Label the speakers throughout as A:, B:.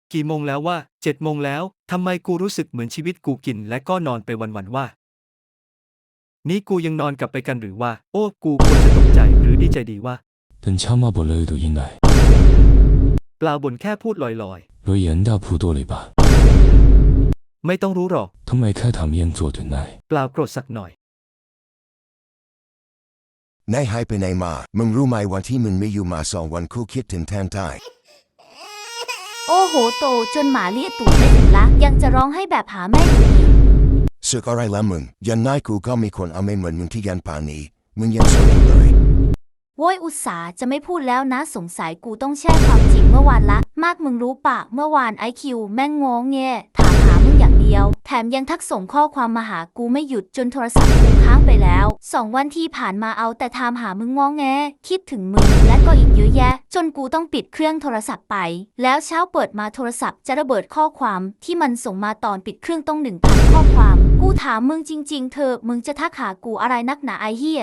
A: กี่โมงแล้วว่า7 โมงแล้วทำไมกูรู้สึกเหมือนชีวิตกูกินและก็นอนไปวันๆว่านี่กูยังนอนกลับไปกันหรือว่าโอ้กูควรจะตกใจหรือดีใจดีว่า
B: 等枪骂不累都应该
A: เปล่าบ่นแค่พูดลอย
B: 罗岩大铺多了吧
A: ๆไม่ต้องรู้หรอก
B: ทำไมแค่ทำเย็น做对奈
A: เปล่าโกรธสักหน่อย
C: นายหายไปไหนมามึงรู้ไหมวันที่มึงไม่อยู่มา2 วันกูคิดถึงแทนตาย
D: โอ้โหโตจนหมาเลียตูดไม่ถึงละยังจะร้องให้แบบหาแม่อยู่อีก
C: สึกอะไรละมึงยันนายกูก็มีคนเอาไม่เหมือนมึงที่ยันป่านนี้มึงยังโสดอยู่เลย
D: โว้ยอุตส่าห์จะไม่พูดแล้วนะสงสัยกูต้องแช่ความจริงเมื่อวานละมากมึงรู้ปะเมื่อวานIQแม่งงงแงถามหามึงอย่างเดียวแถมยังทักส่งข้อความมาหากูไม่หยุดจนโทรศัพท์กูค้างไปแล้ว2 วันที่ผ่านมาเอาแต่ถามหามึงงงแงคิดถึงมึงและก็อีกเยอะแยะจนกูต้องปิดเครื่องโทรศัพท์ไปแล้วเช้าเปิดมาโทรศัพท์จะระเบิดข้อความที่มันส่งมาตอนปิดเครื่องต้อง 1,000 ข้อความกูถามมึงจริงๆเธอมึงจะทักหากูอะไรนักหนาไอ้เหี้ย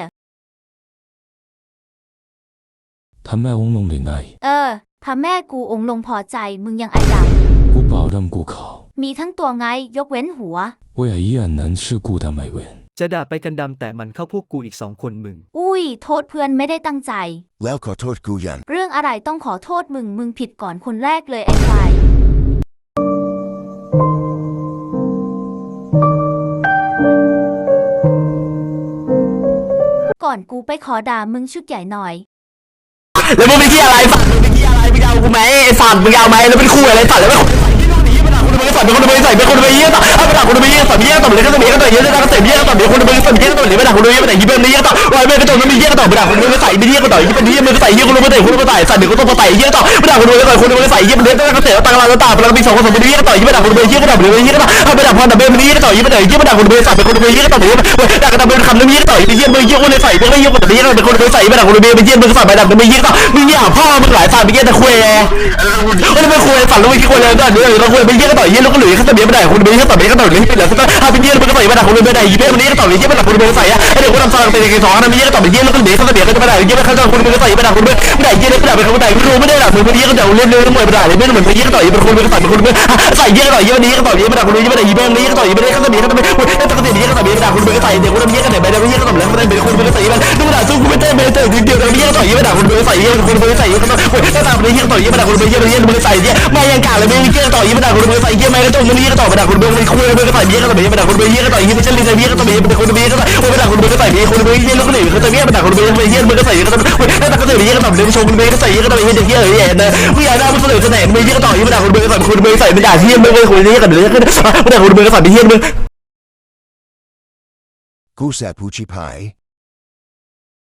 B: ทำแม่องลงเลยนาย
D: พาแม่กูองค์ลงพอใจมึงยังไอด
B: ำกูเปล่าดำกูเขา
D: มีทั้งตัวไงยกเว้นหัว
B: 我也依然能是孤单美文
A: จะด่าไปกันดำแต่มันเข้าพวกกูอีก2 คนมึง
D: อุ้ยโทษเพื่อนไม่ได้ตั้งใจ
C: แล้วขอโทษกูยัน
D: เรื่องอะไรต้องขอโทษมึงผิดก่อนคนแรกเลยไอ้ควายก่อนกูไปขอด่ามึงชุดใหญ่หน่อย
E: แล้วมึงเป็นที่อะไรสัตว์มึงเป็นที่อะไรมึงเอากูไหมไอ้สัตว์มึงเอาไหมแล้วเป็นคู่อะไรสัตว์แล้วไม่คนใส่ที่นู่นนี่ไม่ด่าคนมึงสัตว์เป็นคนมึงใส่เป็นคนมึงเยี่ยสัตว์เอาไปด่าคนมึงเยี่ยสัตว์เยี่ยสัตว์เลยก็จะมีก็ต่อเยอะจะก็เสพเยี่ยสัตว์เดี๋ยวคนมึงสัตว์เยี่ยสัตว์เลยไม่ด่าคนมึงเยี่ยไม่ด่ายี่เป็นเยี่ยสัตว์วายไม่ก็ต้องมีเยี่ยก็ต่อไปด่าคนมึงใส่ไม่เยี่ยก็ต่อยี่เป็นเยี่ยมึงใส่เยี่ยคนมึงใส่คนมึงใส่สัตว์เดี๋ยวก็ต้องมาใส่เยี่ยต่อไม่ด่าคนมึงใส่คนมึงใส่เยี่ยมันเลี้ยงก็เสียตังค์ละต่างพลังมี2 คนสมมติเยี่ยก็ต่อยี่ไม่ด่าคนมึงเยี่ยก็ต่อเลยเยี่ยก็ต่อเอาไปด่าพอด่าเบมันเยี่ยก็ต่อยี่ไม่ด่ายี่ไม่ด่าคนมึงสัตว์เป็นคนมึงเยี่ยก็ต่อเลยด่ากันเป็นคำนึงเยี่ยก็ต่อยี่มึงเยี่ยคนเลยใส่มึงไม่เยี่ยคนเยี่ยเป็นคนมึงใส่ไม่ด่าคนมึงเยี่ยมึงใส่ไปด่ามึงเยี่ยก็มึงเยี่ยพ่อมึงหลายสัตว์มึงเยี่ยแต่คุยแล้วไม่คุยสัตว์แล้วไม่คิดคุยเลยด่าเนี่ยเราคุยมึงเยี่ยก็ต่อยี่แล้วก็หลุยเขาจะเบี้ยไม่ได้คนมึงเยี่ยก็ต่อเบี้ยก็ต่อเลยเป็นเหลือสักถ้าเป็นเยี่ยมึงก็ใส่ไม่ด่าคนมึงไม่ได้ยี่มึงเยี่ยก็ต่อเลยยี่ไม่ด่าคนมึงใส่อะไอเด็กคนทำซองเป็นยังไง2นะมึงเยี่ยก็ต่อเยี่ยแล้วก็หลุยเขาจะเบี้ยก็จะไม่ได้ยี่ไม่เข้าใจคนมึงก็ใส่ไม่ด่าคนมึงไม่ได้ยี่เลยก็ด่าเป็นคนใดไม่รู้ไม่ได้ด่ามึงเยี่ยก็ด่าเล่นเลยมวยไม่ได้เลยไม่เหมือนเยี่ยก็ต่อยี่เป็นคนมึงใส่เป็นคนมึงใส่เยี่ยก็ต่อยี่วันนี้ก็ต่อยี่ไม่ด่าคนมึงยี่ไม่ได้ยี่เป็นเยี่ยก็ต่อยี่ไม่ได้เขาจะเบี้ยก็จะไม่ถ้าเขาจะเบี้ยก็ต่อเบี้ยด่าคนมึงก็ใส่เด็กคนเยี่ยก็แต่ไม่ได้เยี่ยก็ต่อแล้วไม่ได้เป็นคนมึงก็ใส่มันดูด่าสู้กูไม่ได้ไม่ได้เดียวเยี่ยก็ต่อยี่ไม่ด่าคนมึงใส่เยี่ยคนมึงใส่เยี่ยก็ต้องถ้าด่าคนเยี่ยก็ต่อยี่ไม่ด่าคนมึงเยี่ยมึงใส่เยี่ยไม่ยังกาเลยมึงเยี่ยก็ต่อยี่ไม่ด่าคนมึงใส่เยี่ยไม่ก็ต้องมึงเยี่ยก็ต่อไม่ด่าคนมึงไม่คุยมึงก็ใส่เยี่ยก็ต่อไม่ด่าคนมึงเยี่ยก็ต่อยี่ไม่ใช่ลินเยี่ยก็ต่อเป็นคนมึงเยี่ยก็ต่อไม่ด่าคนมึงก็ใส่เยี่ยคนมึงเยี่ยแล้วก็หนีเขาจะเยี่ยไม่ด่าคนมึงเยี่ยมึงก็ใส่เยี่ยก็ต่อถ้าเขาจะเยี่ยก็ต่อเดี๋ยวชมมึงก็ใส่เยี่ยก็ต่อเยี่ยเยี่ยเยี่ยนะมึงอยากได้มึงเสนอจะไหนมึงเยี่ยก็ต่อยี่ไม่ด่าคนมึงใส่คนมึงใส่ไม่ด่าเยี่ยมึงเลยคนเยี่ยก็เดี๋ยวไม่ด่าคนมึงก็ใส่เยี่ยมึง
C: กูแสบผู้ชิพาย